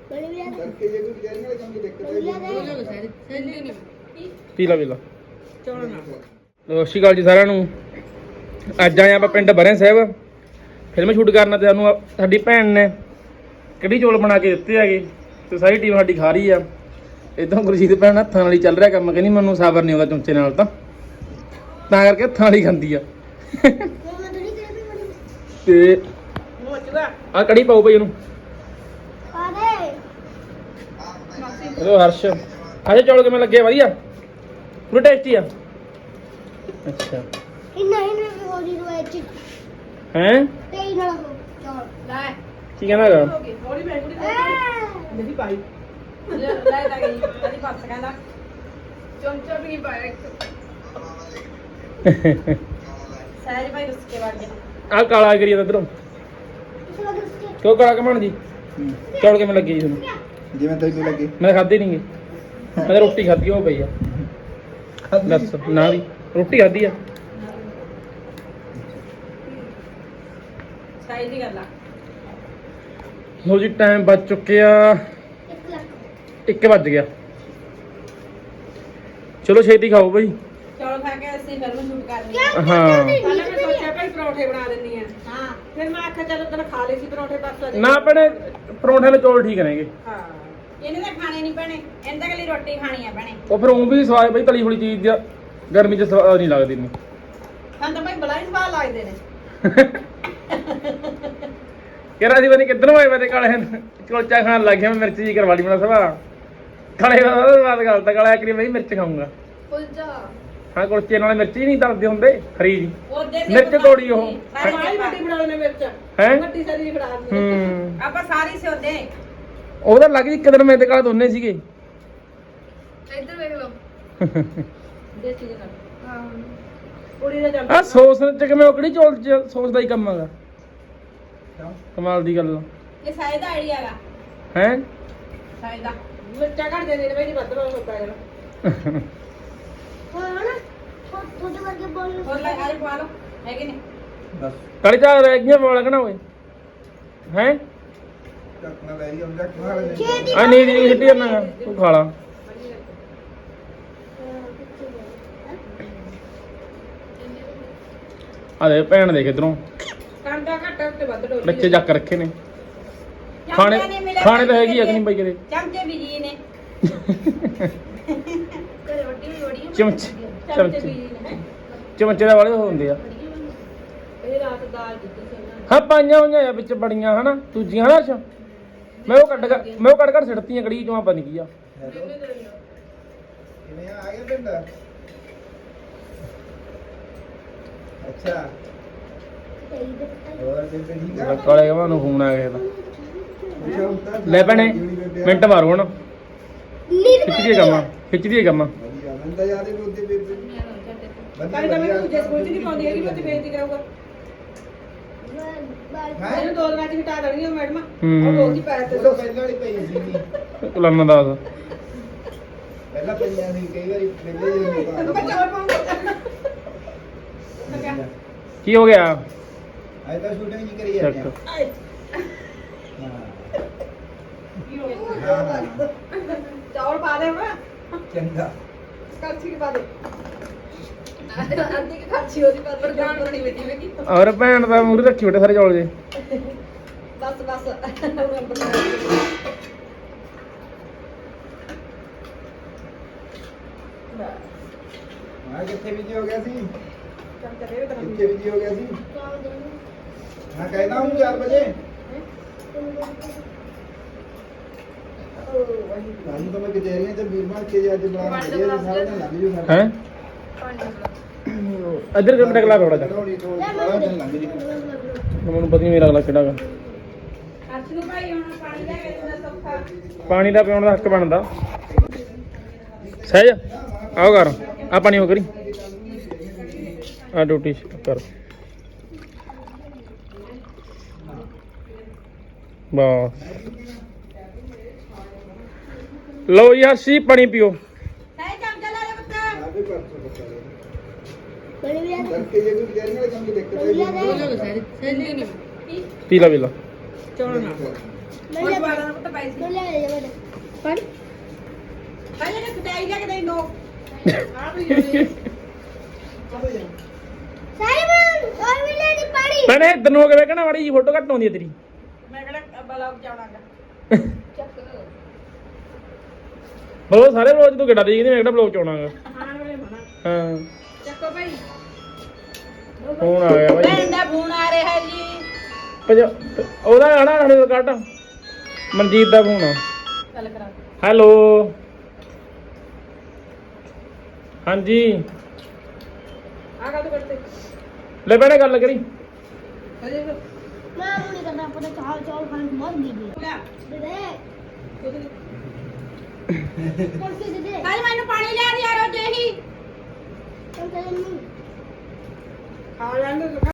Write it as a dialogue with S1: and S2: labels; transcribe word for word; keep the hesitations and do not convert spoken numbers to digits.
S1: ਪੀਲਾ ਪੀਲਾ ਸਤਿ ਸ਼੍ਰੀ ਅਕਾਲ ਜੀ ਸਾਰਿਆਂ ਨੂੰ। ਅੱਜ ਆਏ ਆਪਾਂ ਪਿੰਡ ਬਰੇ ਸਾਹਿਬ ਫਿਲਮ ਸ਼ੂਟ ਕਰਨਾ ਤੇ ਸਾਨੂੰ ਸਾਡੀ ਭੈਣ ਨੇ ਕੜੀ ਚੌਲ ਬਣਾ ਕੇ ਦਿੱਤੇ ਹੈਗੇ ਤੇ ਸਾਰੀ ਟੀਮ ਸਾਡੀ ਖਾ ਰਹੀ ਆ। ਇਦਾਂ ਗੁਰਜੀਤ ਭੈਣ ਹੱਥਾਂ ਨਾਲ ਹੀ ਚੱਲ ਰਿਹਾ ਕੰਮ, ਕਹਿੰਦੀ ਮੈਨੂੰ ਸਾਬਰ ਨਹੀਂ ਆਉਂਦਾ ਚਮਚੇ ਨਾਲ ਤਾਂ ਤਾਂ ਕਰਕੇ ਹੱਥਾਂ ਨਾਲ ਹੀ ਖਾਂਦੀ ਆ। ਤੇ ਆ ਕੜੀ ਪਾਓ ਭਾਈ ਇਹਨੂੰ ਹੈਲੋ ਹਰਸ਼ ਆਜੇ ਚੌਲ ਕਿਵੇਂ ਲੱਗੇ? ਵਧੀਆ ਪੂਰੇ ਟੇਸਟੀ ਆ। ਅੱਛਾ ਹੈ ਕੀ ਕਹਿੰਦਾ ਹੈਗਾ? ਆ ਕਾਲਾ ਕਰੀ ਜਾਂਦਾ ਇੱਧਰੋਂ ਕਿਉਂ ਕਾਲਾ ਕਮਾਣ ਜੀ? ਚੌਲ ਕਿਵੇਂ ਲੱਗੇ ਜੀ ਤੁਹਾਨੂੰ?
S2: ਜਿਵੇਂ ਤੈਨੂੰ ਲੱਗੇ।
S1: ਮੈਂ ਖਾਧੇ ਨਹੀਂਗੇ, ਮੈਂ ਤਾਂ ਰੋਟੀ ਖਾਧੀ ਉਹ ਪਈ ਆ। ਦੱਸ ਨਾ ਵੀ ਰੋਟੀ ਖਾਧੀ ਆ।
S3: ਸਹੀ ਦੀ ਗੱਲ ਆ।
S1: ਲੋ ਜੀ ਟਾਈਮ ਵੱਜ ਚੁੱਕਿਆ ਇੱਕ ਵੱਜ ਗਿਆ। ਚਲੋ ਛੇਤੀ ਖਾਓ ਭਾਈ।
S3: ਚੌਲ ਖਾ ਕੇ ਅਸੀਂ ਫਿਲਮ ਸ਼ੂਟ ਕਰਨੀ ਆ।
S1: ਹਾਂ
S3: ਪਹਿਲਾਂ ਮੈਂ ਸੋਚਿਆ ਭਾਈ ਪਰੌਂਠੇ ਬਣਾ ਦਿੰਨੀ ਆ। ਹਾਂ ਫਿਰ ਮੈਂ ਆਖਿਆ ਚਲੋ ਤੈਨੂੰ ਖਾ ਲਏ ਸੀ ਪਰੌਂਠੇ ਪਰਸੋਂ
S1: ਨਾ ਆਪਣੇ ਪਰੌਂਠੇ ਨਾਲ ਚੌਲ ਠੀਕ ਰਹਿਣਗੇ।
S3: ਹਾਂ ਇਹਨੇ ਤਾਂ ਖਾਣੇ ਨਹੀਂ ਪੈਣੇ, ਇਹਨੇ ਤਾਂ ਕੱਲੀ ਰੋਟੀ ਖਾਣੀ ਆ ਭੈਣੇ।
S1: ਉਹ ਫਿਰ ਉਹ ਵੀ ਸਵਾਦ ਬਈ ਤਲੀ ਹੋਈ ਚੀਜ਼ ਦਾ ਗਰਮੀ ਚ ਸਵਾਦ ਨਹੀਂ ਲੱਗਦੀ ਇਹਨੂੰ।
S3: ਹਾਂ ਤਾਂ ਭਾਈ ਬਲਾਈ ਸਵਾਦ ਲੱਗਦੇ ਨੇ।
S1: ਕਿਹੜਾ ਦੀ ਬਣੀ ਕਿੱਧਰੋਂ ਆਏ ਵੇ ਕਾਲੇ ਕੁਲਚਾ ਖਾਣ ਲੱਗ ਗਿਆ। ਮੈਂ ਮਿਰਚ ਜੀ ਕਰਵਾ ਲਈ ਮੇਰਾ ਸਵਾ ਕਾਲੇ ਦਾ ਬਾਤ ਗੱਲ ਤਾਂ ਕਾਲਾ ਕਰੀ ਬਈ ਮਿਰਚ ਖਾਊਂਗਾ।
S3: ਕੁਲਚਾ
S1: ਹਾਂ ਕੁਲਚੇ ਨਾਲ ਮਿਰਚ ਹੀ ਨਹੀਂ ਤਲਦੇ ਹੁੰਦੇ ਖਰੀ ਜੀ
S3: ਉਹਦੇ
S1: ਮਿਰਚ ਤੋੜੀ ਉਹ
S3: ਸਾਰੀ ਵੱਡੀ ਬਣਾ ਲੈਣੇ ਮਿਰਚ
S1: ਹੈ
S3: ਵੱਡੀ ਸਾਰੀ ਫੜਾ ਦਿੰਦੇ
S1: ਹੂੰ
S3: ਆਪਾਂ ਸਾਰੀ ਸਿਉਂਦੇ।
S1: ਉਹਦਾ ਲੱਗ ਜੀ ਇੱਕ ਦਿਨ ਮੈਂ ਤੇ ਕਾਲਾ ਦੋਨੇ ਸੀਗੇ।
S3: ਇੱਧਰ ਵੇਖ ਲਓ ਦੇਸੀ ਦੇ ਨਾਲ। ਹਾਂ ਕੁੜੀ ਦਾ ਚੱਲ
S1: ਆ ਸੌਸ ਚ ਕਿਵੇਂ ਉਹ ਕਿਹੜੀ ਚੌਲ ਚ ਸੌਸ ਦਾ ਹੀ ਕੰਮ ਹੈਗਾ। ਕਮਾਲ ਦੀ ਗੱਲ
S3: ਇਹ ਸਾਇਦ ਆਈਡੀਆ ਹੈਗਾ
S1: ਹੈ।
S3: ਸਾਇਦ ਦਾ ਮਿਰਚਾਂ ਘੱਟ ਦੇ ਨੇ ਬਈ ਵੱਧ ਬਹੁਤ ਹੁੰਦਾ ਹੈ। ਹੋਰ ਲੈ ਆਰੇ ਪਾ ਲਓ ਹੈ ਕਿ ਨਹੀਂ?
S2: ਬਸ
S1: ਕਾਲੀ ਚਾਹ ਰਹਿ ਗਈਆਂ ਵਾਲਾ ਕਣਾ ਓਏ ਹੈ।
S2: ਚੱਕਣਾ ਲੈ ਜੀ, ਉਹਦਾ ਖਾ ਲੈ।
S1: ਆ ਨਹੀਂ ਨਹੀਂ ਸਿੱਟੀ ਕਰਨਾ ਤੂੰ ਖਾ ਲਾ। ਆ ਦੇ ਭੈਣ ਦੇਖ ਇਧਰੋਂ
S3: ਕਾਂਡਾ ਘੱਟ ਤੇ ਵੱਧ ਡੋਲੀ
S1: ਬੱਚੇ ਜੱਕ ਰੱਖੇ ਨੇ। ਖਾਣੇ ਖਾਣੇ ਤਾਂ ਹੈਗੀ ਆ ਕਿ ਨਹੀਂ ਬਾਈ ਕਰੇ
S3: ਚਮਚੇ ਵੀ ਜੀ ਨੇ ਘਰੇ ਵੱਡੀ ਵੀ ਬੜੀ
S1: ਚਮਚ
S3: ਚਮਚੇ ਵੀ ਜੀ ਨੇ।
S1: ਚਮਚੇ ਦਾ ਵਾਲੇ ਹੁੰਦੇ ਆ।
S3: ਇਹ ਰਾਤ ਦਾਲ ਦਿੱਤੀ ਸੀ ਉਹਨਾਂ
S1: ਹਾਂ ਪਾਈਆਂ ਹੋਈਆਂ ਆ ਵਿੱਚ ਬੜੀਆਂ ਹਨਾ ਦੂਜੀਆਂ ਹਨਾ। ਅੱਛਾ ਮੈਂ ਉਹ ਕੱਢ ਕੇ ਮੈਂ ਉਹ ਕੱਢ ਕੱਢ ਸਿੱਟਤੀਆਂ ਕੜੀ ਚੋਂ ਆਪਾਂ ਨਹੀਂ ਕੀ ਆ।
S2: ਕਿਵੇਂ ਆ ਗਿਆ ਪਿੰਡ? ਅੱਛਾ ਹੋਰ ਬੇਬੇ ਠੀਕ ਆ?
S1: ਕਾਲੇ ਕਮਾਂ ਨੂੰ ਫੋਨ ਆ ਗਿਆ
S2: ਅੱਛਾ ਉਸਤਾਦ
S1: ਲੈ ਭੈਣੇ ਮਿੰਟ ਮਾਰੋ ਹੁਣ ਖਿੱਚ ਦੀ ਕੰਮ ਖਿੱਚ ਦੀ ਕੰਮ।
S2: ਵਧੀਆ ਮੈਨੂੰ ਤਾਂ ਯਾਦ ਹੀ ਨਹੀਂ ਉਹਦੇ ਬੇਬੇ
S3: ਕੱਲ ਤਾਂ ਮੈਂ ਦੂਜੇ ਸਕੂਲ ਚ ਨਹੀਂ ਪਾਉਂਦੀ ਹੈਗੀ, ਮੈਂ ਤੇ ਬੇਇੱਜ਼ਤੀ ਕਰਾਂਗਾ। ਇਹਨੂੰ ਦੋ ਦਿਨਾਂ ਚ ਹਟਾ ਦੇਣੀ ਉਹ ਮੈਡਮ। ਉਹ ਰੋਜ਼ ਹੀ ਪੈਰ ਤੇ
S2: ਉਹ ਤਾਂ ਪਹਿਲਾਂ ਵਾਲੀ ਪਈ ਸੀ।
S1: ਲੰਮਾ ਦੱਸ
S2: ਪਹਿਲਾਂ ਪਈਆਂ ਸੀ ਕਈ ਵਾਰੀ ਪਹਿਲੇ ਜਿਹੇ
S3: ਤੈਨੂੰ ਮੈਂ ਚੌਲ ਪਾਉਂਗਾ।
S1: ਕੀ ਹੋ ਗਿਆ?
S2: ਅੱਜ ਤਾਂ ਸ਼ੂਟਿੰਗ ਜੀ ਕਰੀ ਜਾਂਦੇ ਆ।
S1: ਚੱਕ
S2: ਹਾਂ ਹਾਂ
S3: ਚੌਲ ਪਾ ਦੇ ਮੈਂ
S2: ਚੰਗਾ
S3: ਕਰਛੀ ਪਾ ਦੇ। ਅੱਧੀ ਕਿ ਕਰਛੀ ਉਹਦੀ ਪਰ ਪ੍ਰਧਾਨ ਬਣੀ ਬੈਠੀ ਵੇਖੀ।
S1: ਔਰ ਭੈਣ ਦਾ ਮੂਹਰੇ ਰੱਖੀ ਬੈਠੇ ਸਾਰੇ ਚੌਲ ਜੇ।
S3: ਬਸ ਬਸ
S2: ਹਾਂ ਕਿੱਥੇ ਬਿਜੀ ਹੋ ਗਿਆ ਸੀ?
S3: ਚੱਲ ਚੱਲੇ ਤੈਨੂੰ
S2: ਕਿੱਥੇ ਬਿਜੀ ਹੋ ਗਿਆ ਸੀ? ਹਾਂ ਕਹਿਣਾ ਹੂੰ ਚਾਰ ਵਜੇ। ਸਾਨੂੰ ਤਾਂ ਮੈਂ ਕਚਹਿਰੀਆਂ ਚ ਵੀਰ ਬਣ ਕੇ ਜੇ ਅੱਜ ਬੁਲਾਣਾ ਜੇ ਸਾਰਾ ਦਿਨ ਲੱਗ ਜੂ ਸਾਡਾ।
S1: ਹੈ ਇੱਧਰ ਕਿਉਂ ਟਕਲਾ ਰੋੜਾ ਜਾ
S2: ਥੋੜੀ ਥੋੜੀ ਸਾਰਾ ਦਿਨ ਲੱਗ ਜੂ।
S1: ਮੈਨੂੰ ਪਤਾ ਨਹੀਂ ਮੇਰਾ ਅਗਲਾ ਕਿਹੜਾ ਗਾ।
S3: ਹਰਸ਼ ਨੂੰ ਭਾਈ ਹੁਣ ਪਾਣੀ ਲੈ ਕੇ ਦਿੰਦਾ ਸੌਖਾ।
S1: ਪਾਣੀ ਦਾ ਪਿਉਣ ਦਾ ਹੱਕ ਬਣਦਾ। ਸਹਿਜ ਆਓ ਕਰ ਆ ਪਾਣੀ ਹੋ ਕਰੀ ਆ ਡਿਊਟੀ ਕਰ ਬਸ। ਲਓ ਯਾਰ ਸੀ ਪਾਣੀ ਪੀਓ।
S3: ਹੈ ਚਮਚਾ ਲੈ ਲੈ ਪੁੱਤ।
S2: ਆਗੇ ਪਰਸੋਂ ਬਤਾ ਬੜੇ ਵੀ ਕਰਕੇ ਜੇ ਕੋਈ ਕਚਹਿਰੀਆਂ ਵਾਲੇ ਕੰਮ ਦੀ ਦਿੱਕਤ ਹੈ
S3: ਸੈਲੀ ਨਹੀਂ
S1: ਪੀ ਲਾ ਪੀ ਲਾ
S3: ਚੌਲ ਨਾਲ ਮੈਂ ਜਵਾਰਾਂ ਨੂੰ ਤਾਂ ਪੈਸੇ ਲੈ ਲੈ ਜਾ ਬੜੇ ਪੜ ਪਹਿਲੇ ਕਿ ਕਟਾਈ ਜਾ ਕੇ ਦੇ ਨੋ ਆ ਵੀ ਸਾਈਮਨ ਹੋਰ ਵੀ ਲੈ ਨਹੀਂ ਪਾਣੀ
S1: ਭੈਣੇ ਇੱਧਰ ਨੂੰ ਹੋ ਕੇ ਵੇਖਣਾ ਮਾੜੀ ਜੀ ਫੋਟੋ ਘੱਟ ਆਉਂਦੀ ਹੈ ਤੇਰੀ
S3: ਮੈਂ ਕਿਹੜਾ ਬਲੌਗ ਚਾਉਣਾਗਾ ਚੱਕ
S1: ਬਲੋ ਸਾਰੇ ਬਲੌਗ ਤੂੰ ਕਿੱਡਾ ਦੇਖਦੀ ਮੈਂ ਕਿਹੜਾ ਬਲੌਗ ਚ ਆਉਣਾਗਾ
S3: ਖਾਣ ਵੇਲੇ ਮਨਾ
S1: ਹਾਂ
S3: ਚੱਕੋ ਭਾਈ
S1: ਫੋਨ ਆ ਗਿਆ ਭਾਈ
S3: ਭੈਣ ਦਾ ਫੋਨ ਆ ਰਿਹਾ ਜੀ
S1: ਪੰਜਾ- ਉਹਦਾ ਆਣਾ ਸਾਡੇ ਕੱਟ ਮਨਜੀਤ ਦਾ ਫੋਨ ਆ
S3: ਗੱਲ ਕਰਾ
S1: ਹੈਲੋ ਹਾਂਜੀ
S3: ਆ ਗਾ ਤੂੰ ਕਰਤੇ
S1: ਲੈ ਭੈਣੇ ਗੱਲ ਕਰੀ
S3: ਅਜੇ
S4: ਮੈਂ ਉਹ ਨਹੀਂ ਕਰਨਾ ਆਪਣਾ ਚਾਲ ਚਾਲ ਖਾਣ ਨੂੰ ਮਰ ਗਈ ਦੇ
S3: ਲੈ
S4: ਦੇ ਕੁਰਸੀ ਦੇ ਦੇ
S3: ਕੱਲ ਮੈਨੂੰ ਪਾਣੀ ਲਿਆ ਯਾਰ ਉਹ ਜਿਹੀ
S4: ਚੱਲ ਚੱਲ
S3: ਖਾ ਲੈਂਦੇ